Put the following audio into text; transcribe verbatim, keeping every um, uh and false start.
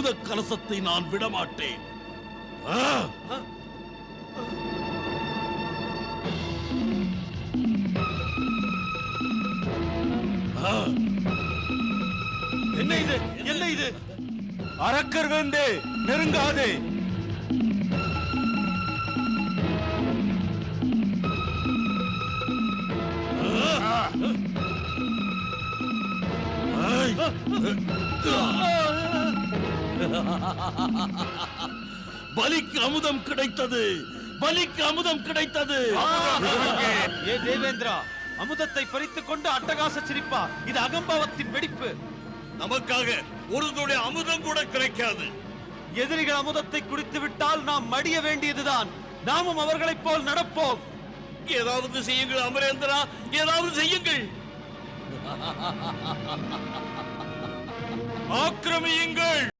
அமுத கலசத்தை நான் விடமாட்டேன். என்ன இது? என்ன இது? அரக்கர் வந்து நெருங்காதே. பலிக்கு அமுதம் கிடைத்தது, பலிக்கு அமுதம் கிடைத்தது. ஏ தேவேந்திரா, அமுதத்தை பறித்துக் கொண்டு அட்டகாச சிரிப்பா? இது அகம்பாவத்தின் வெடிப்பு. நமக்காக ஒரு துளி அமுதம் கூட கிடைக்காது. எதிரிகள் அமுதத்தை குடித்து விட்டால் நாம் மடிய வேண்டியதுதான். நாமும் அவர்களைப் போல் நடப்போம். ஏதாவது செய்யுங்கள் அமரேந்திரா, ஏதாவது செய்யுங்கள். ஆக்கிரமியுங்கள்.